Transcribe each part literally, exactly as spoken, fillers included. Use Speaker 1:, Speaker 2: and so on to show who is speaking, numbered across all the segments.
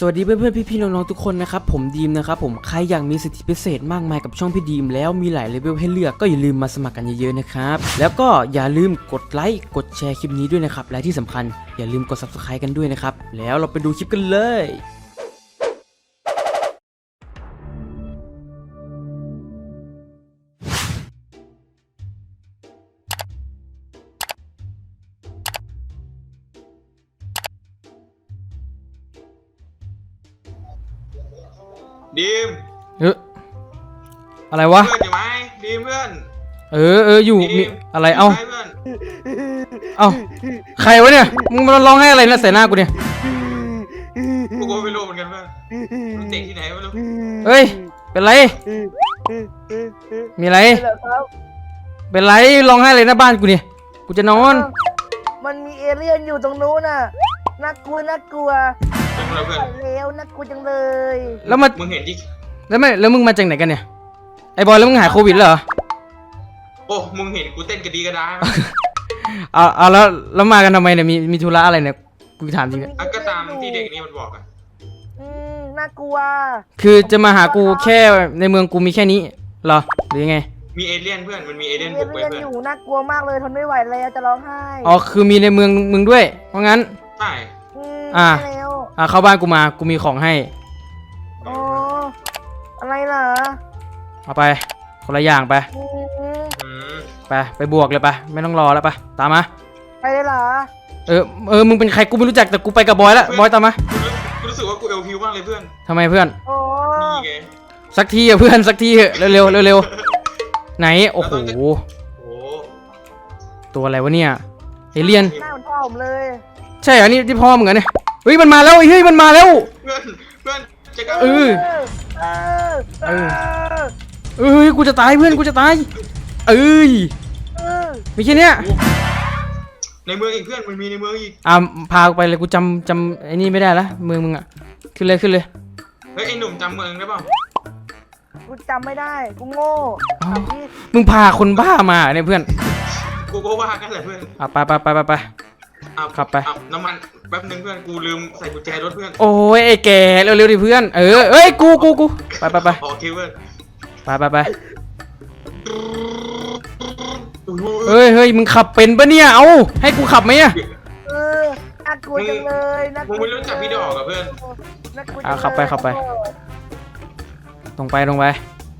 Speaker 1: สวัสดีเพื่อนๆพี่ๆน้องๆทุกคนนะครับผมดีมนะครับผมใครอยากมีสิทธิพิเศษมากมายกับช่องพี่ดีมแล้วมีหลายเลเวลให้เลือกก็อย่าลืมมาสมัครกันเยอะๆนะครับแล้วก็อย่าลืมกดไลค์กดแชร์คลิปนี้ด้วยนะครับและที่สำคัญอย่าลืมกด ซับสไครบ์ กันด้วยนะครับแล้วเราไปดูคลิปกันเลย
Speaker 2: ดีม
Speaker 1: เอออะไรวะ
Speaker 2: เพื่อนอยู่ไหมดีมเพื่อน
Speaker 1: เออเอออยู่มีอะไรเอ้าเอ้าใครวะเนี่ยมึงมาร้องให้อะไรนะใส่หน้ากูเนี่ย
Speaker 2: กูก็ไม่รู้เหมือนกันเพื่อนเด็กที่ไหนไม่รู้
Speaker 1: เฮ้ยเป็นไรมีอะไรเป็นไรร้องให้อะไรหน้าบ้านกูเนี่ยกูจะนอน
Speaker 3: มันมีเอเลี่ยนอยู่ตรงนู้นน่ะน่ากลัวน่ากลัว
Speaker 2: เพื่อน
Speaker 3: เร็วน่ากลัวจังเลย
Speaker 1: แล้วมา
Speaker 2: มึงเห็นที่
Speaker 1: แล้วไม่แล้วมึงมาจากไหนกันเนี่ยไอ้บอยแล้วมึงหายโควิดเหรอ
Speaker 2: โอ้มึงเห็นกูเต้นกระดีกระดา
Speaker 1: เอาเอาแล้วแล้วมากันทำไมเนี่ยมีมีธุระอะไรเนี่ยกูถามจริงเนี่ย
Speaker 2: ก็ตามที่เด็กนี่มันบอกอะ
Speaker 3: อืมน่ากลัว
Speaker 1: คือจะมาหากูแค่ในเมืองกูมีแค่นี้เหรอหรือยังไง
Speaker 2: มีเอเลี่ยนเพื่อนมันมีเอเลี่ยน
Speaker 3: เอ
Speaker 2: บุกไป
Speaker 3: เลี่ยน
Speaker 2: เพื่อน
Speaker 3: อยู่น่ากลัวมากเลยทนไม่ไหวแล้วจะร้องไห้
Speaker 1: อ๋อคือมีในเมืองมึงด้วยเพราะงั้น
Speaker 2: ใช่
Speaker 1: อ่าอ่าเข้าบ้านกูมากูมีของให้
Speaker 3: อ๋ออะไรเหรอ
Speaker 1: เอาไปคนละอย่างไปไปไปบวกเลยไปไม่ต้องรอแล้วไปตามมา
Speaker 3: ไปเลยเหรอ
Speaker 1: เออเออมึงเป็นใครกูไม่รู้จักแต่กูไปกับบอยแล้วบอยตามมา
Speaker 2: กูรู้สึกว่ากูเอลพิวมากเลยเพื่อน
Speaker 1: ทำไมเพื่อน
Speaker 2: นี่ไง
Speaker 1: สักทีอะเพื่อนสักทีเร็วเร็วเร็วเร็วไหนโอ้โหตัวอะไรวะเนี่ยเอเลี่ยน
Speaker 3: หน้าเหมือนพ่อผมเลย
Speaker 1: ใช่เหรอนี่ที่พ่อมึงเหรอเนี่ยเฮ้ยมันมาแล้วเฮ้ยมันมาแล้ว
Speaker 2: เพื่อนเพื่อนจะกัน
Speaker 1: เออเออเอ้ยกูจะตายเพื่อนกูจะตายเอ้ยมีแค่เนี้ย
Speaker 2: ในเมืองอีกเพื่อนมันมีในเมืองอีก
Speaker 1: อ่ะพาไปเลยกูจำจำไอ้นี่ไม่ได้ละเมืองมึงอ่ะขึ้นเลยขึ้นเลย
Speaker 2: เฮ้ยไอ้หนุ่มจำเมืองได้ป่ะ
Speaker 3: กูจำไม่ได้กูโง่
Speaker 1: มึงพาคนบ้ามาเนี่ยเพื่อน
Speaker 2: กูก็ว่ากันแหละเพื่อน
Speaker 1: อ่ะไปไปไปไปไปขับไป
Speaker 2: น้ำมันแป๊บนึงเพื่อนกูลืมใส่กุญแจรถเพื่อน
Speaker 1: โอ้ยไอ้แกเร็วๆดิเพื่อนเออเอ้ยกูกูกูไปไปไป
Speaker 2: โอเคเพื่อน
Speaker 1: ไปไปไปเฮ้ยเฮ้ยมึงขับเป็นปะเนี่ยเอาให้กูขับไหมอะ
Speaker 3: เออน่ากลัวจังเลยน่ากลัว
Speaker 2: มึงไม่รู้จักพี่ดอกกับเพื่อน
Speaker 1: อ่ะขับไปขับไปตรงไปตรงไป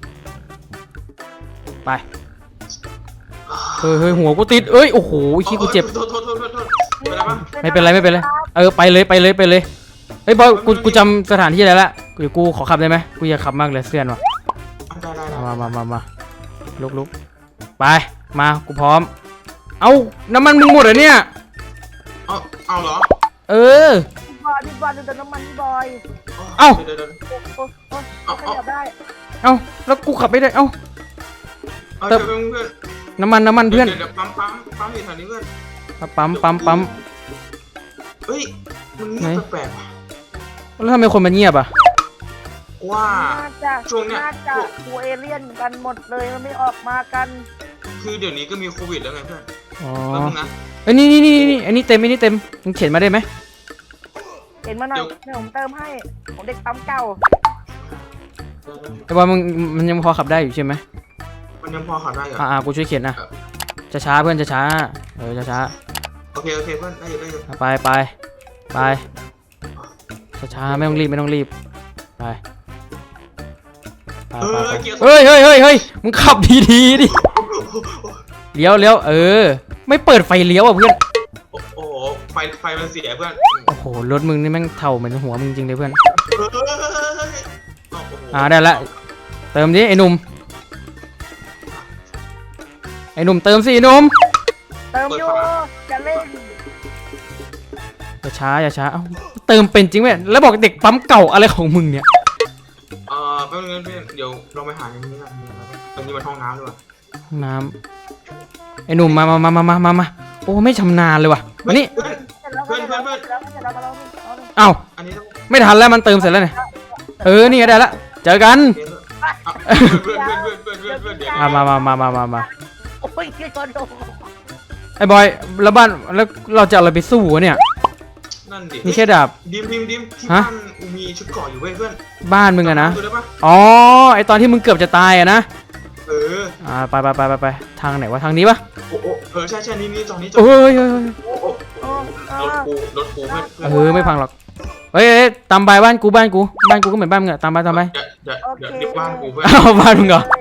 Speaker 1: ไปเฮ้ยเฮ้ยหัวกูติดเอ้ยโอ้โหขี้กูเจ็บไม่เป็นไรไม่เป็นไรเออไปเลยไปเลยไปเลยเฮ้ยบอยกูกูจำสถานที่อะไรละกูกูขอขับได้ไหมกูอยากขับมากเลยเสื่อนว่ะมามามามาลุกลุกไปมากูพร้อมเอาน้ำมันมึงหมดเหรอเนี่ย
Speaker 2: เอาเอาเหรอ
Speaker 3: เออพี่บอยพี่บอยดูแต่น้ำมันพี่บอย
Speaker 1: เอา
Speaker 3: เอาได้
Speaker 1: เอาแล้วกูขับไม่ได้เอา
Speaker 2: เติมเพื่อน
Speaker 1: น้ำมันน้ำมันเพื่อน
Speaker 2: เดี๋ยวปั๊มปั๊มปั๊มอยู่แถวนี้เพื่อน
Speaker 1: ปั๊มปั๊มปั๊ม
Speaker 2: เฮ้ยมึงเงียบแปลกๆ
Speaker 1: แล้วทำไมคนมันเงียบอ่ะ
Speaker 2: ว่า
Speaker 3: ช่วงเนี้ยน่าจะกูเอเลี่ยนกันหมดเลยมันไม่ออกมากัน
Speaker 2: คือเดี๋ยวนี้ก็มีโควิดแล้วไงเพื่อน
Speaker 1: อ๋อไอ้นี่นี่นี่นี่อันนี้เต็มอันนี้เต็มมึงเขียนมาได้ไหม
Speaker 3: เขียนมาหน่อยเดี๋ยวผมเติมให้ผมเด็กปั๊มเก่า
Speaker 1: ไอ้บอลมึงมันยังพอขับได้อยู่ใช่ไหม
Speaker 2: มันยังพอขับได้เหรอ
Speaker 1: อ่ากูช่วยเขียนนะจะช้าเพื่อนจะช้าเออจะช้า
Speaker 2: โอเคโอเคเพื่อนได้อยู่ได้อยู่
Speaker 1: ไปไปไปช้าไม่ต้องรีบไม่ต้องรีบไปเฮ้ยเฮ้ยเฮ้ยเฮ้ยมึงขับดีดีดิเลี้ยวเลี้ยวเออไม่เปิดไฟเลี้ยวอ่ะเพื่อน
Speaker 2: โอ้โหไฟไฟมันเสียเพื่อน
Speaker 1: โอ้โหรถมึงนี่แม่งเท่าเหมือนหัวมึงจริงเลยเพื่อนอ่าได้ละเติมดิไอ้หนุ่มไอ้หนุ่มเติมสิไอ้หนุ่ม
Speaker 3: เติมอยู่จะเล่น
Speaker 1: อย่าช้าอย่าช้าเอ้าเติมเป็นจริงไหมแล้วบอกเด็กปั๊มเก่าอะไรของมึงเนี่ย
Speaker 2: เออแป๊บนึงเพื่อนเดี๋ยวลองไปหาอย่างนี้กันตรงนี้มันห้องน้ำด้วย
Speaker 1: ห้องน้ำไอ้หนุ่มมามามามามามาโอ้ไม่ชำนาญเลยว่ะมานี่
Speaker 2: เพื่อนเพื่อนเพื่อนเพื่อน
Speaker 1: เอ้าไม่ทันแล้วมันเติมเสร็จแล้วเนี่ยเออนี่ก็ได้ละเจอกันมามามามามามาไอ้บอยแล้วบ้านแล้วเราจะอะไรไปสู้วะเนี่ย
Speaker 2: นั่นดิ
Speaker 1: นี่แค่ดาบ
Speaker 2: ดิมดิมดิมที่
Speaker 1: ฮะ
Speaker 2: บ้านกูมีชุดเกราะอยู่เว้ยเพื่อน
Speaker 1: บ้านมึงอะนะ
Speaker 2: ดูได้ปะ
Speaker 1: อ๋อไอตอนที่มึงเกือบจะตายอะนะ
Speaker 2: เออ
Speaker 1: อ่าไปไปไปไปไปทางไหนวะทางนี้ปะ
Speaker 2: โอ้โอ้เออใช่ใช่นี่นี่จอนี้จอ
Speaker 1: โอ้ยเฮ้ยเฮ้ย
Speaker 2: โอ้โอ้
Speaker 3: โอ้
Speaker 2: รถกูรถกูเพื่อน
Speaker 1: เออไม่พังหรอกเฮ้ยเฮ้ยตามไปบ้านกูบ้านกูบ้านกูก็เหมือนบ้านมึงอะตามไปตามไป
Speaker 2: เดี๋ยวเดี๋ยวเดี๋ยวเดี๋ยวบ้านกูเพื่อน
Speaker 1: อ้าวบ้านมึงเหรอ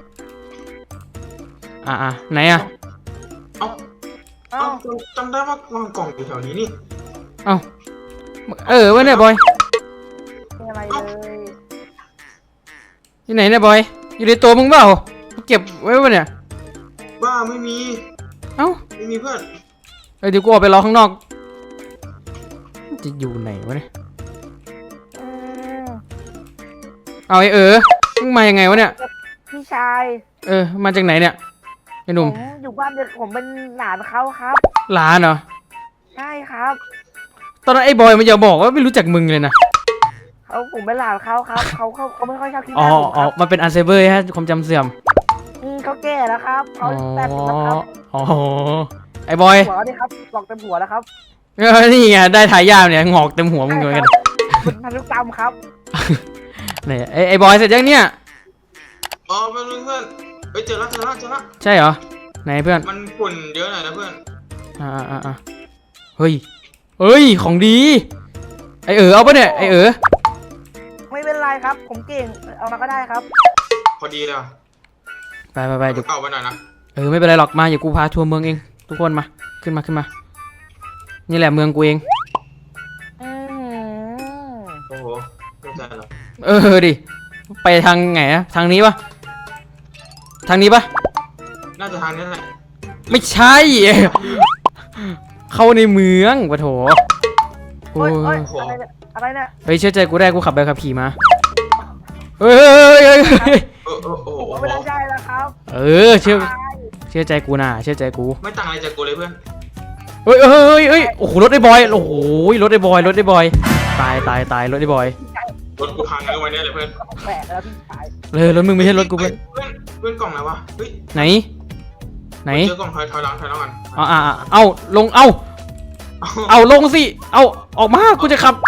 Speaker 1: อ่าอ่าไหนอะ
Speaker 2: เอ้า
Speaker 3: เอ้า
Speaker 2: เอ้าจำได้ว่าวางกล่องอยู่แถวนี้นี่
Speaker 1: เอ้าเออวะเนี่ยบอย
Speaker 3: ไม่อะไรเลย
Speaker 1: ที่ไหนเนี่ยบอยอยู่ในตัวมึงเปล่าเก็บไว้วะเนี่ย
Speaker 2: บ้าไม่มี
Speaker 1: เอ้า
Speaker 2: ไม่มีเพื่อน
Speaker 1: เอ้ยเดี๋ยวกูออกไปรอข้างนอกจะอยู่ไหนวะเนี่ย
Speaker 3: อืม
Speaker 1: เอาไอ้เออมึงมายังไงวะเนี่ย
Speaker 3: พี่ชาย
Speaker 1: เออมาจากไหนเนี่ยไอ้ห
Speaker 3: ผ
Speaker 1: นุ่ม
Speaker 3: มอยู่บ้านเด็กผมเป็นหลานเขาครับ
Speaker 1: หลานเหรอ
Speaker 3: ใช่ครับ
Speaker 1: ตอนนั้นไอ้บอยมันจะบอกว่าไม่รู้จักมึงเลยนะ
Speaker 3: เขาผมเป็นหลานเขาครับเขาเขาเขาไม่ค่อยชอบขี้ห
Speaker 1: อ๋อ
Speaker 3: น้าผมค
Speaker 1: อ๋อ
Speaker 3: รับ
Speaker 1: มันเป็นอัลไซเมอร์ฮะความจำเสื่อม
Speaker 3: อืมเขาแก่แล้วครับ
Speaker 1: อ๋
Speaker 3: เขา
Speaker 1: อ
Speaker 3: แปดสิบแล้วครับ
Speaker 1: อ๋อไอ้บอย
Speaker 3: หัวนี่ครับหลอกเต็มหัวแล้วครับ
Speaker 1: เออนี่ไงได้ทายาทเนี่ยงอกเต็มหัวมึงเหมือนกัน
Speaker 3: เป็นพันธุกรรมครับ
Speaker 1: เนี่ยไอ้ไอ้บอยเสร็จยังเนี่ย
Speaker 2: อ๋อเพื่อนเพื่อนเฮ้ยเจอแล้วเจอแล้วเจอแล้ว
Speaker 1: ใช่เหรอไหนเพื่อน
Speaker 2: มันฝุ่นเยอะหน่อยนะเพื่อน
Speaker 1: อ่าอ่าอ่าเฮ้ยเฮ้ยของดีไอ้เออเอาปะเนี่ยไอ้เออ
Speaker 3: ไม่เป็นไรครับ ผมเก่งเอามาก็ได้ครับ
Speaker 2: พอดีเลยว่ะ
Speaker 1: ไปไปไปเดี๋ยว
Speaker 2: เก่าไปหน่อยนะ
Speaker 1: เออไม่เป็นไรหรอกมาอย่ากูพาทัวร์เมืองเองทุกคนมาขึ้นมาขึ้นมา นี่แหละเมืองกูเอง
Speaker 3: อืม
Speaker 2: โอ้โหไม่ใจหรอก
Speaker 1: เออดิไปทางไหนอะทางนี้ปะทางนี้ปะ
Speaker 2: น่าจะทางนี้แหละ
Speaker 1: ไม่ใช่ เข้าในเมืองปะโถโอ้
Speaker 3: โอ้ยโอ้ย
Speaker 1: ย
Speaker 3: อะไรเนี่ยอะไรเนี่ย
Speaker 1: เฮ้ยเชื่อใจกูได้กูขับใบขับขี่มาเฮ้ยเฮ้ยเฮ้ยเฮ้ย
Speaker 2: เออเออโอ้โห
Speaker 3: ผมไม่ได้ใจแล้วครับ
Speaker 1: เออเชื่อเชื่อใจกูนะเชื่อใจกู
Speaker 2: ไม่ต่างอะไรจากกูเลยเพื่อน
Speaker 1: เฮ้ยเฮ้ยเฮ้ยเฮ้ยโอ้โหรถไอ้บอยโอ้โหรถไอ้บอยรถไอ้บอยตายตายตายรถไอ้บอย
Speaker 2: รถกูพังเลยวันนี้เลยเพื่อน
Speaker 3: แปลกแล้วพี่ชาย
Speaker 1: เลยรถมึงไม่ใช่รถกู
Speaker 2: เพื่
Speaker 1: เพื่
Speaker 2: อ
Speaker 1: อน น
Speaker 2: เพื่อนเพื่อนกล่องอะไรวะเฮ้ย
Speaker 1: ไหน ไหน
Speaker 2: เจอกล่องถอยถอยหลังถอยหลังกัน
Speaker 1: อ่าอ่าเอาลงเอาเอาลงสิเอาออกมากูจะขับ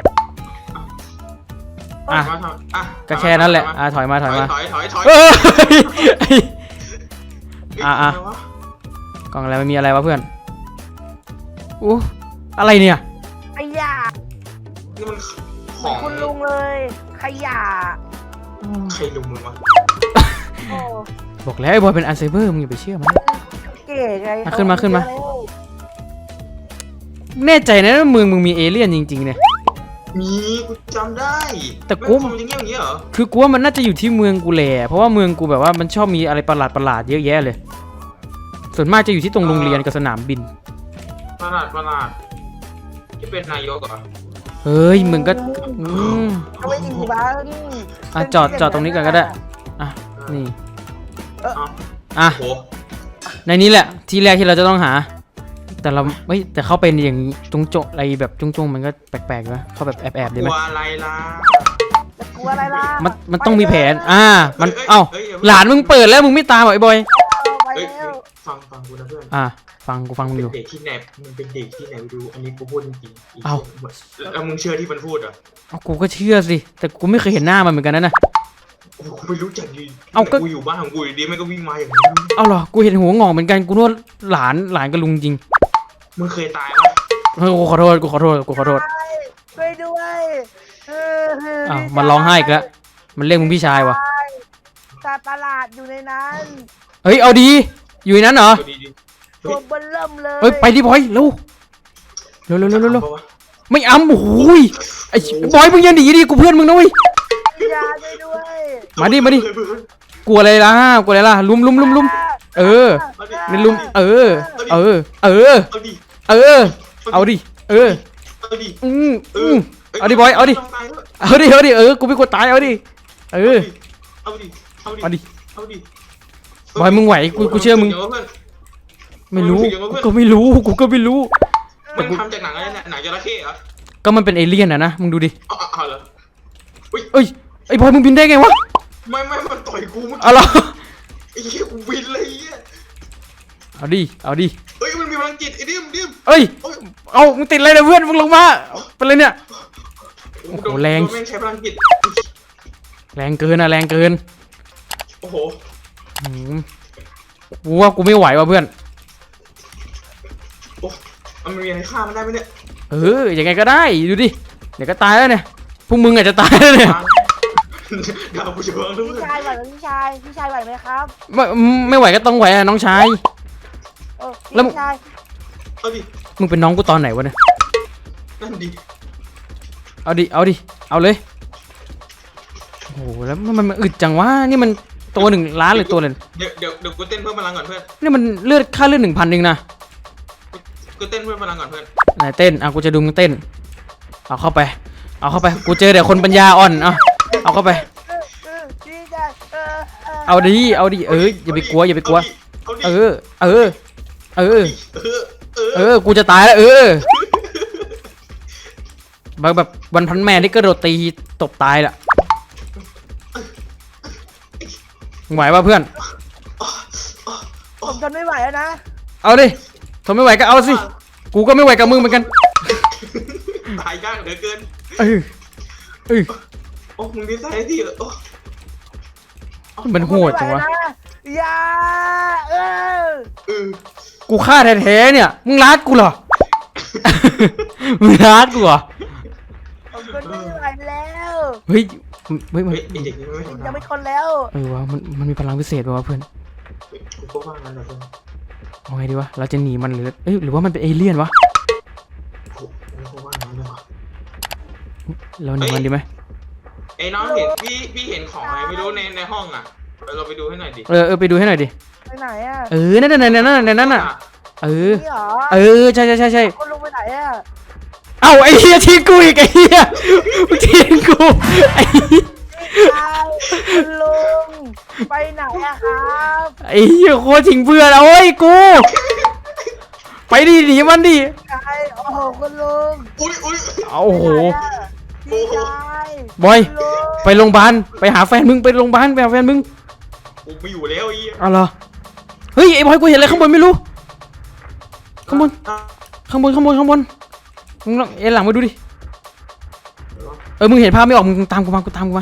Speaker 1: อ่ะ
Speaker 2: ถอยมาถอยอ่ะ
Speaker 1: ก็แค่นั้นแหละอ่าถอยมาถอยมา
Speaker 2: ถอยถอยถอย
Speaker 1: เอ้ย
Speaker 2: เฮ้ย
Speaker 1: อ่ะอ่ะ
Speaker 2: ไรว
Speaker 1: กล่องอะไรมันมีอะไรวะเพื่อนอู้อะไรเนี่ย
Speaker 3: ขยะ
Speaker 2: นี่มันข
Speaker 3: เหมื
Speaker 2: อ
Speaker 3: อน
Speaker 2: ง
Speaker 3: คุณลุงเลยขยะ
Speaker 2: ใครลุงมึงวะ
Speaker 3: โอ้
Speaker 1: บอกแล้วไอ้บอยเป็นอัลไซเมอร์มึงอย่าไปเชื่อมัน
Speaker 3: เก๋ไง
Speaker 1: อ่ะขึ้นมาขึ้นมา แน่ใจนะว่าเมืองมึงมีเอเลี่ยนจริงๆเนี่ย
Speaker 2: มีกูจำได้
Speaker 1: แต่กู
Speaker 2: แม่งทำอย่างเงี้ยอย่างเงี้ยเหรอ
Speaker 1: คือกูว่ามันน่าจะอยู่ที่เมืองกูแหละเพราะว่าเมืองกูแบบว่ามันชอบมีอะไรประหลาดประหลาดๆเยอะแยะเลย ส่วนมากจะอยู่ที่ตรงโรงเรียนกับสนามบิน
Speaker 2: ประหลาดประหลาดที่เป็นนายกเหรอ
Speaker 1: เฮ้ยมึงก็อืม
Speaker 3: เอาไว้ดีบ้าง
Speaker 1: อ่ะจอดจอดตรงนี้ก่อนก็ได้อ่ะนี่
Speaker 2: เอ้า
Speaker 1: อ่ะ
Speaker 2: โห
Speaker 1: ในนี้แหละที่แรกที่เราจะต้องหา แต่เราเฮ้ยแต่เข้าไปอย่างนี้จงโจอะไรแบบจงจงๆมันก็แปลกๆนะเข้าแบบแอบๆ
Speaker 2: ก
Speaker 1: ดีไหม
Speaker 2: ลัวอะไรล่ะ
Speaker 3: จะกลัวอะไรล่ะ
Speaker 1: มันมันต้องมีแผนอ่ามัน
Speaker 2: ยย
Speaker 1: เอ้า
Speaker 2: ฮ้ย
Speaker 1: หลานมึงเปิดแล้วมึงไม่ตามเหรอไอ้บอย
Speaker 3: ไป
Speaker 2: เฮ้ย
Speaker 3: แล้ว
Speaker 2: ฟังฟังกูนะเพื่อน
Speaker 1: อ่ะฟังกูฟังมึง
Speaker 2: เป็
Speaker 1: อน ยู่
Speaker 2: เด็กที่ไหนมึงเป็นเด็กที่ไหนดูอันนี้กูพูดจริงๆ
Speaker 1: เอ้า
Speaker 2: แล้วมึงเชื่อที่มันพูดเหรอ
Speaker 1: เอากูก็เชื่อสิแต่กูไม่เคยเห็นหน้ามันเหมือนกันนะนะ
Speaker 2: กูไม่รู้จักดี
Speaker 1: เอ้าก็
Speaker 2: กูอยู่บ้านของกูอยู่ดีมันก็วิ่งมาอย่างนี้
Speaker 1: เอาเหรอกูเห็นหัวงอกเหมือนกันกูนึกว่าหลานหลานกับลุงจริง
Speaker 2: มึงเคยตายปะ
Speaker 1: เฮ้ยกูขอโทษกูขอโทษกูขอโทษ
Speaker 3: ช่วยด้วยเออเ
Speaker 1: อ้าวมันร้องไห้อีกแล้วมันเรียกมึงพี่ชายว่ะ
Speaker 3: สัตว์ประหลาดอยู่ในนั้น
Speaker 1: เฮ้ยเอาดีอยู่ในนั้นเหรอ
Speaker 2: ดีดี
Speaker 3: ตัวเบิ้ลเริ่มเลย
Speaker 1: เฮ้ยไปดิบอยเร็วเร็วเร็วเร็วเร็วเร็วไม่อ้ำโอ้ยไอ้บอยมึงอยังหนีดิกูเพื่อนมึงนะเว้ย
Speaker 3: ยาช่วยด้วย
Speaker 1: มาดิมาดิกลัวอะไรล่ะกลัวอะไรล่ะลุมลุมลุมลุมเออนี่ลุมเออ เออ เออ
Speaker 2: เอาดิ
Speaker 1: เออ เอาดิเออ
Speaker 2: เอาดิ
Speaker 1: อืมอืมเอาดิบอยเอาดิ เอาดิเอาดิเออกูไม่กลัวตายเอาดิเออ
Speaker 2: เอาดิเอาดิ
Speaker 1: เอาดิ
Speaker 2: เอาดิ
Speaker 1: บอยมึงไหวกูกูเชื่อมึงไม่รู้กูก็ไม่รู้กูก็ไม่รู้
Speaker 2: มันทำจากหนังอะไรเนี่ยหนังจระเข้เหรอ
Speaker 1: ก็มันเป็นเอเลี่ยนอะนะมึงดูดิ
Speaker 2: อ๋ออ๋อเหรอ
Speaker 1: เอ้ยไอ้บอยมึงบินได้ไงวะ
Speaker 2: ไม่ไม่มันต่อยกูเมื่อ
Speaker 1: เอา
Speaker 2: กี้
Speaker 1: ล่ะ
Speaker 2: ไอ้เหี้ยกูบินเลยไอ้เหี้ย
Speaker 1: เอาดิเอาดิ
Speaker 2: เฮ้ยมันมีพลังจิตไอ้ดิมดิม
Speaker 1: เอ้ย
Speaker 2: โอ้ย
Speaker 1: เอามึงติดอะไรเนี่ยเพื่อนมึงลงมาเป็นไรเนี่ย โอ้โห
Speaker 2: โดน
Speaker 1: แรง
Speaker 2: โดนแม่งใช้พลังจิต
Speaker 1: แรงเกินอะแรงเกิน
Speaker 2: โอ้โห
Speaker 1: อืมกูว่ากูไม่ไหวว่ะเพื่อน
Speaker 2: โอ้มันมีอะไรฆ่ามันได้ไหมเนี่ย
Speaker 1: เออยังไงก็ได้ดูดิเดี๋ยวก็ตายแล้วเนี่ยพวกมึงอาจจะตายแล้วเนี่ย
Speaker 2: ดาวผู้ชมด้ว
Speaker 3: พี่
Speaker 2: ย
Speaker 3: ชายไหวไหมพี่ชายพี่ชายไหวไหมครับ
Speaker 1: ไม่ไม่ไหวก็ต้องไหวอะน้องชาย
Speaker 3: เออ
Speaker 1: แล้ว
Speaker 3: พี่ชาย
Speaker 2: เอาดิ
Speaker 1: มึงเป็นน้องกูตอนไหนวะเนี่ย
Speaker 2: นั่นดิ
Speaker 1: เอาดิเอาดิเอาเลยโอ้โหแล้วมันมันอึดจังวะนี่มันตัวหนึ่งล้านหรือตัวเลย
Speaker 2: เดี๋ยวเดี๋ยวเดี๋ยวกูเต้นเพิ่มพลังก่อนเพื่อน
Speaker 1: นี่มันเลือดค่าเลือดหนึ่งพันเองนะ
Speaker 2: กูเต้นเพิ่มพลังก่อนเพื่อน
Speaker 1: ไหนเต้นอ่ะกูจะดูมึงเต้นเอาเข้าไปเอาเข้าไปกูเจอแต่คนปัญญาอ่อนเอาเอาเข้าไป
Speaker 3: เออเออพี่ชายเออเออ
Speaker 1: เอาดิเอาดิเอออย่าไปกลัวอย่าไปกลัว
Speaker 2: เอาดิ
Speaker 1: เออเออเออ
Speaker 2: เออเออ
Speaker 1: เออ กูจะตายแล้วเออแบบแบบวันพันแม่ที่กระโดดตีตบตายละไหวป่ะเพื่อน
Speaker 3: ผมทนไม่ไหวแล้วนะ
Speaker 1: เอาดิทนไม่ไหวก็เอาสิ กูก็ไม่ไหวกับมึงเหมือนกัน
Speaker 2: ตายยากเหลือเกิน
Speaker 1: เออเออ
Speaker 2: โอ้มึงดีไซน์ที่โอ้
Speaker 1: มันโหดจังวะ
Speaker 3: ผมไม่ไหนอย่าเออ
Speaker 2: เออ
Speaker 1: กูฆ่าแท้ๆเนี่ย มึงรัดกูเหรอ มึงรัดกูเหรอ
Speaker 3: ผมทนไม่ไหวแล้ว
Speaker 1: เฮ้ยเฮ้ยมัน
Speaker 2: เฮ้ยไอเด็กนี่ไม่ธรรม
Speaker 3: ยัง
Speaker 2: ดา
Speaker 3: ไม่ทนแล้ว
Speaker 1: เออวะมันมันมีพลังพิเศษป่ะวะเพื่อน
Speaker 2: กูก็ว่างั้นแหละเพื่อน
Speaker 1: เอาไงดีวะ เราจะหนีมันหรือเอ้ยหรือว่ามันเป็นเอเลี่ยนวะ
Speaker 2: กูก็ว่างั้นเลยว่ะ
Speaker 1: เราหนีมันดีไหม
Speaker 2: ไอ้น้องเห็นพี่พี่เห็นของอะไรไม่รู้ในในห้องอ่ะเราไปดูให้หน่อยดิ
Speaker 1: เออเออไปดูให้หน่อยดิ
Speaker 3: ไปไหนอ่ะ
Speaker 1: เออ นั่นนั่นนั่นนั่นนั่นนั่นน่ะ เออ
Speaker 3: นี่เหรอ
Speaker 1: เออ ใช่ใช่ใช่ใช่
Speaker 3: คนลงไปไหนอ่ะ
Speaker 1: เอ้าไอ้เหี้ยทิ้งกูอีกไอ้เหี้ยมึงทิ้งกูไอ้เหี้ย
Speaker 3: ใช่คุณลุงไปไหนอะครับ
Speaker 1: ไอ้เหี้ยโคตรทิ้งเพื่อนโอ้ยกู ไปดิหนีมันดิ
Speaker 3: ใช่โอ้โหคุณลุง
Speaker 2: อุ้ยอุ้ย
Speaker 1: เอาโอ้โห
Speaker 3: พี่ชาย
Speaker 1: บอย
Speaker 3: คุณลุง
Speaker 1: ไปโรงพยาบาล ไปหาแฟนมึง ไปโรงพยาบาลไปหาแฟนมึง
Speaker 2: กูไม่อยู่แล้วไอ้
Speaker 1: เอาเหรอ เฮ้ยไอ้บอยกูเห็นอะไรข้างบนไม่รู้ ข้างบน ข้างบนข้างบนข้างบน มึงลองเอ็นหลังมาดูดิ เออ มึงเห็นภาพไม่ออก มึงตามกูมา กูตามกูมา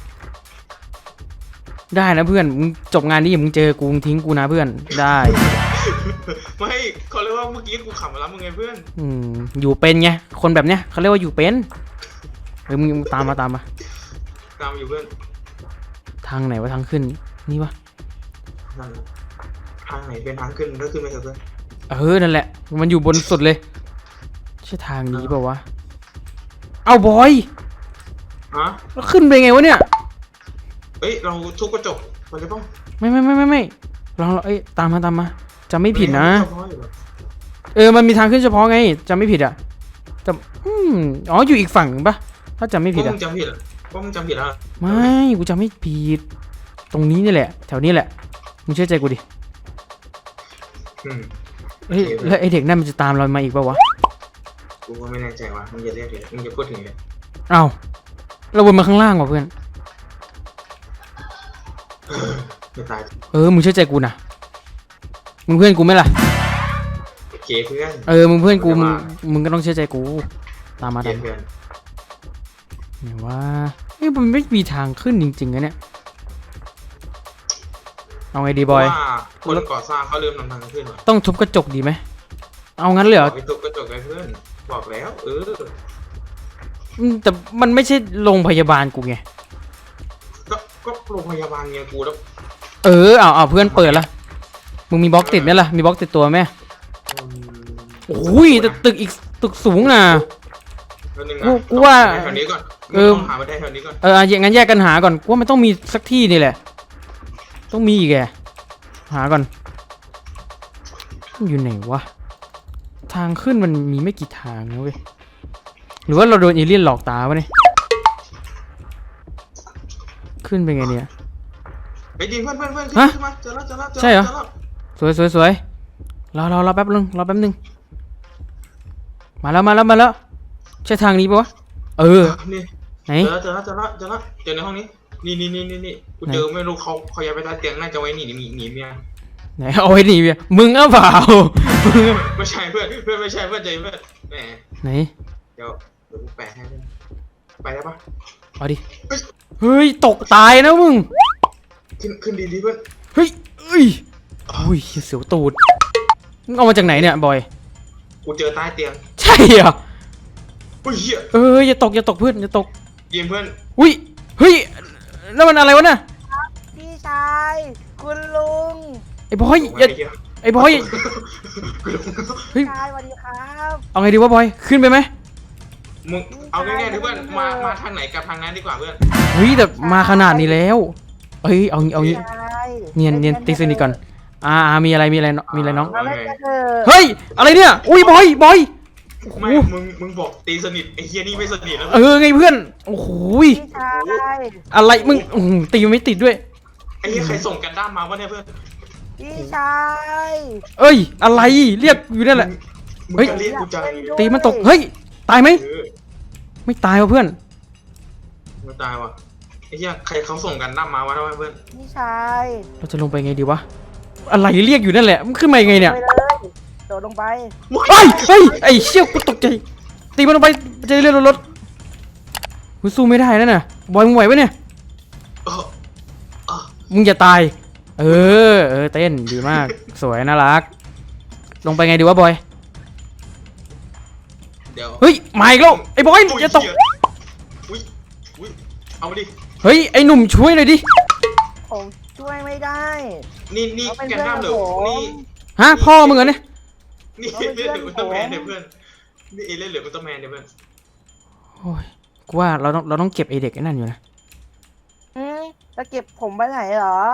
Speaker 1: ได้นะเพื่อน มึงจบงานนี้อย่ามึงเจอกูมึงทิ้งกูนะเพื่อน ได้
Speaker 2: ไม่เขาเรียกว่าเมื่อกี้กูขำมาแล้วมึงไงเพื่อน
Speaker 1: อืม อยู่เป็นไง คนแบบเนี้ยเขาเรียกว่าอยู่เป็นเออมึงมึงตามมาตามมา
Speaker 2: ตามอยู่เพื่อน
Speaker 1: ทางไหนวะทางขึ้น นี่วะ
Speaker 2: นั่นแหละทางไหนเป็นทางขึ้นก็ขึ้นไปเถอะเพื่อน
Speaker 1: เออ นั่นแหละ มันอยู่บนสุดเลย ใช่ทางนี้เปล่าวะ เอาบอย
Speaker 2: ฮะ
Speaker 1: แล้วขึ้นไปไงวะเนี่ย
Speaker 2: เอ้ยเราทุบกระจกไปเลยป่ะ
Speaker 1: ไม่ไม่ไม่ไม่ไม่ลองลองเอ้ยตามมาตามมาจำไม่ผิดนะ
Speaker 2: เฉพาอยู่เหรอ
Speaker 1: เออ มันมีทางขึ้นเฉพาะไงจำไม่ผิดอ่ะจำอืมอ๋อ อยู่อีกฝั่งปะถ้าจำไม่ผิด
Speaker 2: ว่า
Speaker 1: อ่ะ
Speaker 2: มึงจำผิดเหรอว่ามึงจำผิดแล้ว
Speaker 1: ไม่ กูจำไม่ผิด ตรงนี้นี่แหละ แถวนี้แหละ มึงเชื่อใจกูดิ
Speaker 2: อืม
Speaker 1: เฮ้ย แล้วไอเด็กนั่นมันจะตามเรามาอีกปะวะ
Speaker 2: กูก็ไม่แน่ใจว่ะมึงอย่าเรียกเลยมึงอย่าพูดถึงเลย
Speaker 1: เอ้าเราวนมาข้างล่างว่ะเพื่อน
Speaker 2: จะตาย
Speaker 1: เออ มึงเชื่อใจกูนะ มึงเพื่อนกูไหมล่ะ
Speaker 2: โอเคเพื่อน
Speaker 1: เออ มึงเพื่อนกู มึง มึงก็ต้องเชื่อใจกู ตามมา
Speaker 2: เกลี
Speaker 1: ตาย ม
Speaker 2: ดเพื่อน
Speaker 1: เนี่ยว่าเฮ้ยมันไม่มีทางขึ้นจริงๆนะเนี่ย เอาไงดีบอย
Speaker 2: ว่าคนก่อสร้างเขาลืมนำทางขึ้นว่ะ
Speaker 1: ต้องทุบกระจกดีไหม เอางั้นเลยเหรอ
Speaker 2: ไปทุบกระจกเลยเพื่อนบอกแล้วเออ
Speaker 1: อืมแต่มันไม่ใช่โรงพยาบาลกูไง
Speaker 2: ก็ก็โรงพยาบาลไงกูแล้ว
Speaker 1: เออ เอาเอาเพื่อนเปิดละ มึงมีบล็อกติดไหมล่ะ มีบล็อกติดตัวไหม
Speaker 2: อืม
Speaker 1: โอ้ยแต่ตึกอีกตึกสูงน่ะ
Speaker 2: แป๊บนึง
Speaker 1: กู
Speaker 2: นะ
Speaker 1: กูว่า
Speaker 2: แถวนี้ก่อน
Speaker 1: เออ
Speaker 2: ต้องหาไปได้แถวนี้ก่อน
Speaker 1: เอออ่ะอย่างงั้นแยกกันหาก่อนกูว่ามันต้องมีสักที่นี่แหละ ต้องมีอีกแกหาก่อน อยู่ไหนวะ ทางขึ้นมันมีไม่กี่ทางนะเว้ย หรือว่าเราโดนเอเลี่ยนหลอกตาวะเนี่ย ขึ้นไปไงเนี่ย
Speaker 2: ไปดิเพื่อนเพื่อนเพื่อน
Speaker 1: ฮะ
Speaker 2: ขึ้นมาเจอแล้วเจอแล้วเจอ
Speaker 1: ใช่เหรอ
Speaker 2: จแล้ว
Speaker 1: สวยสวยสวยรอรอรอแป๊บนึงรอแป๊บนึง มาแล้วมาแล้วมาแล้ว ใช่ทางนี้ปะวะ เออ
Speaker 2: นี่
Speaker 1: ไหน
Speaker 2: เจอแล้วเจอแล้วเจอแล้วเจอแล้วเจอในห้องนี้นี่นี่นี่นี่นี่กูเจอไม่รู้เขาเขาย้ายไปใต้เตียงน่าจะไว้หนีหนีหนีเมีย
Speaker 1: ไหนเอาไว้หนีเว้ยมึงอ่ะเปล่ามึงอะ
Speaker 2: ไม่ใช่เพื่อนเพื่อนไม่ใช่เพื่อนใจเพื่อนแหม
Speaker 1: ไหน
Speaker 2: เดี๋ยวเดี๋ยวกูแปะให้เพื่อนไปได้ปะ
Speaker 1: เอาดิเฮ้ยตกตายนะมึง
Speaker 2: ขึ้นขึ้นดีดีเพื่อน
Speaker 1: เฮ้ยเอ้ยอุ้ยเสียวตูดมึงเอามาจากไหนเนี่ยบอย
Speaker 2: กูเจอใต้เตียง
Speaker 1: ใช่เหรอ
Speaker 2: อุ้ยเหี้ย
Speaker 1: เอออย่าตกอย่าตกเพื่อนอย่าตก
Speaker 2: ยิงเพื่อน
Speaker 1: อุ้ยเฮ้ยนั่นมันอะไรวะน่ะ
Speaker 3: พี่ชายคุณลุง
Speaker 1: ไอ้บอยอย่า
Speaker 2: ไอ้เหี้ย
Speaker 1: ไอ้บอย
Speaker 2: กูลง
Speaker 1: เฮ้ย
Speaker 3: ชายสวัสดีครับ
Speaker 1: เอาไงดีวะบอยขึ้นไปไหม
Speaker 2: มึงเอาง่ายๆดิเพื่อนมามาทางไหนกับทางนั้นดีกว่าเพื่อน
Speaker 1: เฮ้ยแต่มาขนาดนี้แล้วเอ้ยเอางี้เอางี้
Speaker 3: ชาย
Speaker 1: เนียนเนียนตีสนิทก่อนอ่าอ่ามีอะไรมีอะไรมีอะไรน้อง
Speaker 3: มาเล่นกันเถอะ
Speaker 1: เฮ้ยอะไรเนี่ยอุ้ยบอยบอย
Speaker 2: ไม่มึงมึงบอกตีสนิทไอ้เฮียนี่ไม่สนิทแล้ว
Speaker 1: เออไงเพื่อนโอ้โหย
Speaker 3: พี่ชาย
Speaker 1: อะไรมึงอื้อหือตีมันไม่ติดด้วย
Speaker 2: ไอ้เฮียใครส่งกันด้ามมาวะเนี่ยเพื่อน
Speaker 3: พี่ชาย
Speaker 1: เอ้ยอะไรเรียกอยู่นั่นแหละ
Speaker 2: มึง
Speaker 1: เฮ้ย
Speaker 2: จะเรียกกูใจ
Speaker 1: ตีมันตกเฮ้ยตายไหม
Speaker 2: เออ
Speaker 1: ไม่ตายวะเพื่อน
Speaker 2: ไม่ตายว่ะไอ้เฮียใครเขาส่งกันด้ามมาวะทำไมเพื่อน
Speaker 3: พี่ชาย
Speaker 1: เราจะลงไปไงดีวะอะไรเรียกอยู่นั่นแหละมันขึ้นมายังไงเนี่ย
Speaker 3: ไปเลยโดดลงไป
Speaker 1: เฮ้ยเฮ้ยไอ้เชี่ยกูตกใจตีมันลงไปจะได้เลื่อนรถกูสู้ไม่ได้แล้วน่ะบอยมึงไหวปะเนี่ย
Speaker 2: เออเออ
Speaker 1: มึงอย่าตาย เออ เออ เต้น ดีมาก สวย น่ารัก ลงไปไงดีวะบอย
Speaker 2: เดี๋ยว
Speaker 1: เฮ้ย มาอีกแล้ว ไอ้บอย อย่าตก
Speaker 2: อุ้ยอุ้ยเอามาดิ
Speaker 1: เฮ้ย ไอ้หนุ่มช่วยหน่อยดิ
Speaker 3: ผมช่วยไม่ได้
Speaker 2: นี่นี่
Speaker 3: เขาเป็น
Speaker 2: กันด้ามเหรอ
Speaker 3: เพื่อนผม
Speaker 2: นี่
Speaker 1: ฮะ พ่อมึงเหรอเนี่ย
Speaker 2: นี่
Speaker 3: เขาเป็น
Speaker 2: เล่นเหลือ
Speaker 3: เพื่
Speaker 2: อุ
Speaker 3: อนผม
Speaker 2: ลตร้าแมนเนี่ยเพื่อนนี่เอเล่นเหลืออุลตร้าแมนเนี่ยเพื่อน
Speaker 1: โอ้ย กูว่าเราต้องเราต้องเก็บไอเด็กไอ้นั่นอยู่นะ
Speaker 3: อืมจะเก็บผมไปไหนเหรอ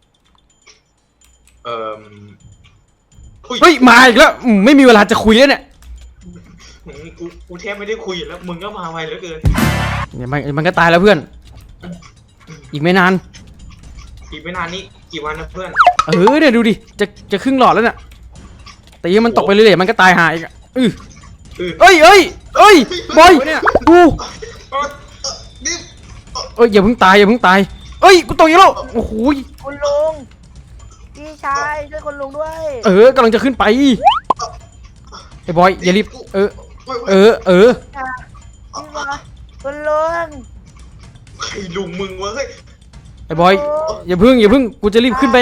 Speaker 2: เอ่ออุ้ย
Speaker 1: เฮ้ย มาอีกแล้วอืมไม่มีเวลาจะคุยแล้วเนี่ย
Speaker 2: กูกูแทบไม่ได้คุยแล้วมึงก็มาไวเหลือเกิน
Speaker 1: เนี่ยมันมันก็ตายแล้วเพื่อน อีกไม่นาน
Speaker 2: อีกไม่นานนี้กี่วันนะเพื่อน
Speaker 1: เออเนี่ยดูดิ จะจะครึ่งหลอดแล้วเนี่ยตีให้มันตกไปเรื่อยๆมันก็ตายหายอีกอะอื้อ
Speaker 2: เออ
Speaker 1: เอ้ยเอ้ยเอ้ย บอยเนี่ยดู
Speaker 2: เออนี่
Speaker 1: เอ้ยอย่าเพิ่งตายอย่าเพิ่งตาย เอ้ย กูตกอีกแล้ว โอ้โหย
Speaker 3: คุณลุง พี่ชายช่วยคุณลุงด้วย
Speaker 1: เออกำลังจะขึ้นไปไอ้บอยอย่ารีบเออเออเออ
Speaker 3: พี่บอยคุณลุง
Speaker 2: ใครลุงมึงวะเฮ้ย
Speaker 1: ไอ้บอยอย่าพึ่งอย่าพึ่งกูจะรีบขึ้นไป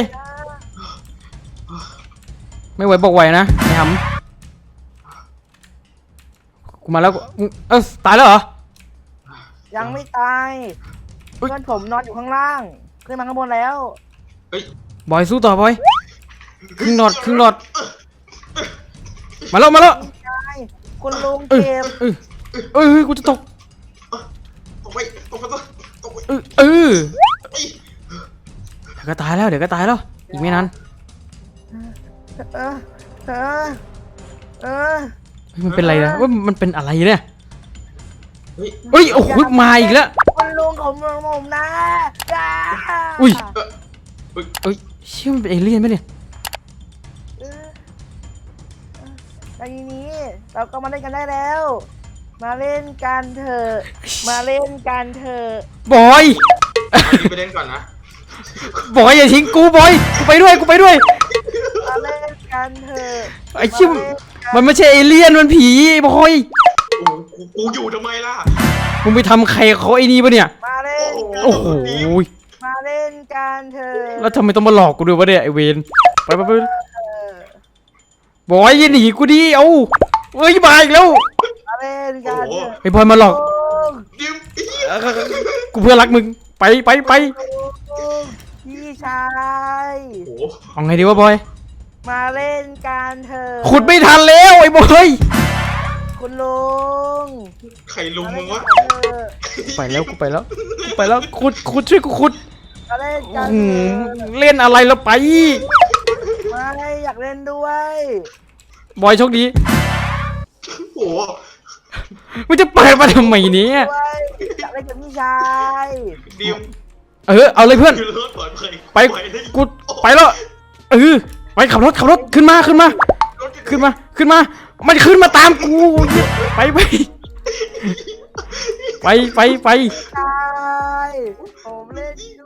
Speaker 1: ไม่ไหวบอกไหวนะไอ้หำกูมาแล้วมึงเออตายแล้วเหรอ
Speaker 3: ยังไม่ตาย
Speaker 1: เฮ้ย
Speaker 3: เพื่อนผมนอนอยู่ข้างล่าง ขึ้นมาข้างบนแล้ว
Speaker 2: เฮ้ย
Speaker 1: บอยสู้ต่อบอยครึ่งหลอดครึ่งหลอดมาแล้วมาแล้ว
Speaker 3: พี่ชายคุณลุง
Speaker 1: เออ
Speaker 3: เก็บ
Speaker 1: เออเออเฮ้ยกูจะตก
Speaker 2: ตกไปตกไปตกไป
Speaker 1: เออเออ
Speaker 2: เอ้ย
Speaker 1: เดี๋ยวก็ตายแล้วเดี๋ยวก็ตายแล้วอีกไม่นาน
Speaker 3: เออเออเออ
Speaker 1: เฮ้ยมันเป็นอะไรนะว่ามันเป็นอะไรเนี่ย
Speaker 2: เฮ้ย
Speaker 1: เฮ้ยโอ้โหมาอีกแล้ว
Speaker 3: คุณลุงของผมนะจ้า
Speaker 1: อุ้ย
Speaker 2: เออเฮ้ย
Speaker 1: เอ้ยเชื่อมันเป็นเอเลี่ยนไหมเนี่ย
Speaker 3: เออเออแล้วทีนี้เราก็มาเล่นกันได้แล้ว มาเล่นกันเถอะ มาเล่นกันเถอะ
Speaker 1: บอย
Speaker 2: เอาที่ไปเล่นก่อนนะ
Speaker 1: บอยอย่าทิ้งกูบอยกูไปด้วยกูไปด้วย
Speaker 3: มาเล่นกันเถอะ
Speaker 1: ไอ้ชิม
Speaker 3: มาเล่นกัน
Speaker 1: มันไม่ใช่เอเลี่ยนมันผีบอย
Speaker 2: โอ้กูกูอยู่ทำไมล่ะ
Speaker 1: มึงไปทำใครเขาไอ้นี่ปะเนี่ย
Speaker 3: มาเล่นกัน
Speaker 1: โอ้โห
Speaker 3: มาเล่นกันเถอะ
Speaker 1: แล้วทำไมต้องมาหลอกกูด้วยวะเนี่ยไอเวนไปไปไป
Speaker 3: เออบ
Speaker 1: อยอย่าหนีกูดิเอ้าเอ้ยมาอีกแล้ว
Speaker 3: มาเล่นกันเถอะ
Speaker 1: ไอ้บอยมาหลอก
Speaker 2: ดิม
Speaker 1: กูเพื่อนรักมึงไปไปไป
Speaker 3: พี่ชาย
Speaker 2: โอ้
Speaker 1: เอาไงดีวะบอย
Speaker 3: มาเล่นกันเถอะ
Speaker 1: ขุดไม่ทันแล้วไอ้บอย
Speaker 3: คุณลุง
Speaker 2: ใครลุงมึงวะ
Speaker 3: มาเล่นกันเถอะ
Speaker 1: ไปแล้วกูไปแล้วกูไปแล้วขุดขุดช่วยกูขุด
Speaker 3: มาเล่นกัน
Speaker 1: อื
Speaker 3: เถ
Speaker 1: ม
Speaker 3: อะ
Speaker 1: เล่นอะไรแล้วไป
Speaker 3: ไม่อยากเล่นด้วย
Speaker 1: บอยโชคดี
Speaker 2: โอ้
Speaker 1: มึงจะเปิดมาทำไมเนี่ย
Speaker 3: ด้วยอยากเล่นกับพี่ชาย
Speaker 2: ดิม
Speaker 1: เออเอาเลยเพื่อน
Speaker 2: คือรถปลอดภัย
Speaker 1: ไป
Speaker 2: ได้
Speaker 1: กูไปแล้วเออไปขับรถขับรถขึ้นมาขึ้นมา
Speaker 2: รถ
Speaker 1: ขึ้นมาขึ้นมา มันขึ้นมาตามกูไปไปไปไปไป
Speaker 3: ชายผมเล่น